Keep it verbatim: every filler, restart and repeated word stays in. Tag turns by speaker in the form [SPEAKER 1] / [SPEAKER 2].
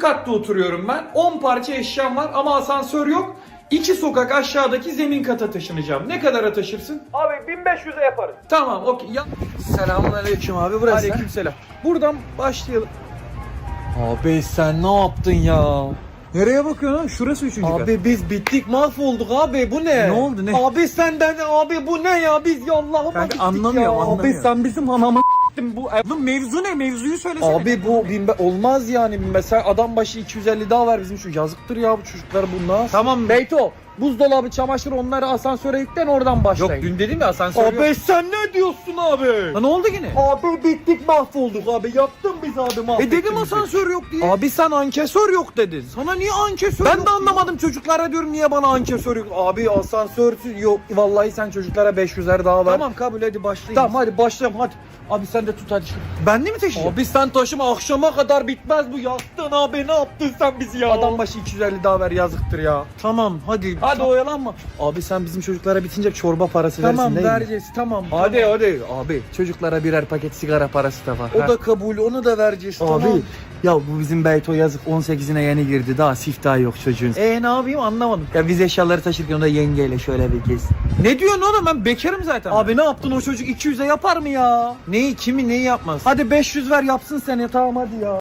[SPEAKER 1] katta oturuyorum ben. on parça eşyam var ama asansör yok. İki sokak aşağıdaki zemin kata taşınacağım. Ne kadara taşırsın?
[SPEAKER 2] Abi bin beş yüze yaparız.
[SPEAKER 1] Tamam, okey. Ya...
[SPEAKER 3] Selamünaleyküm abi, burası.
[SPEAKER 1] Aleykümselam. Buradan başlayalım.
[SPEAKER 3] Abi sen ne yaptın ya?
[SPEAKER 1] Nereye bakıyorsun lan? Şurası üçüncü kat.
[SPEAKER 3] Abi biz bittik, mahvolduk abi, bu ne?
[SPEAKER 1] Ne oldu, ne?
[SPEAKER 3] Abi senden abi bu ne ya, biz ya Allah'ıma
[SPEAKER 1] Kanka,
[SPEAKER 3] gittik
[SPEAKER 1] anlamıyorum,
[SPEAKER 3] ya.
[SPEAKER 1] anlamıyorum.
[SPEAKER 3] Abi sen bizim anamı
[SPEAKER 1] Bu Oğlum mevzu ne? Mevzuyu söylesene.
[SPEAKER 3] Abi bu bin be- olmaz yani, mesela adam başı iki yüz elli daha ver bizim şu, yazıktır ya bu çocuklar bunlar.
[SPEAKER 1] Tamam.
[SPEAKER 3] Beyto, buzdolabı, çamaşır, onları asansöre yüklen, oradan
[SPEAKER 1] Yok,
[SPEAKER 3] başlayın.
[SPEAKER 1] dün dedim ya asansör yok.
[SPEAKER 3] Abi sen ne diyorsun abi?
[SPEAKER 1] Lan ne oldu yine?
[SPEAKER 3] Abi bittik, mahvolduk abi, yaktın biz abi, mahvettin
[SPEAKER 1] E dedim
[SPEAKER 3] bizi.
[SPEAKER 1] asansör yok diye.
[SPEAKER 3] Abi sen ankesör yok dedin.
[SPEAKER 1] Sana niye ankesör
[SPEAKER 3] Ben
[SPEAKER 1] yok
[SPEAKER 3] de anlamadım, çocuklara diyorum niye bana ankesör yok. Abi asansörsüz yok. Vallahi sen çocuklara beş yüzer daha ver.
[SPEAKER 1] Tamam kabul, hadi başlayın.
[SPEAKER 3] Tamam hadi başlayalım hadi. Abi sen de tut hadi.
[SPEAKER 1] Ben de mi taşıyacağım?
[SPEAKER 3] Abi sen taşıma, akşama kadar bitmez bu, yaktın abi, ne yaptın sen bizi ya? Adam başı iki yüz elli daha ver, yazıktır ya.
[SPEAKER 1] Tamam hadi.
[SPEAKER 3] Hadi oyalanma. Abi sen bizim çocuklara bitince çorba parası
[SPEAKER 1] Tamam
[SPEAKER 3] versin değil mi?
[SPEAKER 1] vereceğiz, tamam.
[SPEAKER 3] Hadi
[SPEAKER 1] tamam.
[SPEAKER 3] hadi. Abi çocuklara birer paket sigara parası da var.
[SPEAKER 1] O
[SPEAKER 3] Ha.
[SPEAKER 1] da kabul, onu da vereceğiz.
[SPEAKER 3] Abi
[SPEAKER 1] Tamam.
[SPEAKER 3] ya bu bizim Beyto yazık, on sekizine yeni girdi, daha siftahı yok çocuğun.
[SPEAKER 1] E ne yapayım anlamadım.
[SPEAKER 3] Ya biz eşyaları taşırken o da yengeyle şöyle bir kez.
[SPEAKER 1] Ne diyorsun oğlum, ben bekarım zaten.
[SPEAKER 3] Abi ne yaptın, o çocuk iki yüze yapar mı ya?
[SPEAKER 1] neyi, kimi neyi yapmaz?
[SPEAKER 3] Hadi beş yüz ver yapsın seni, tamam hadi ya.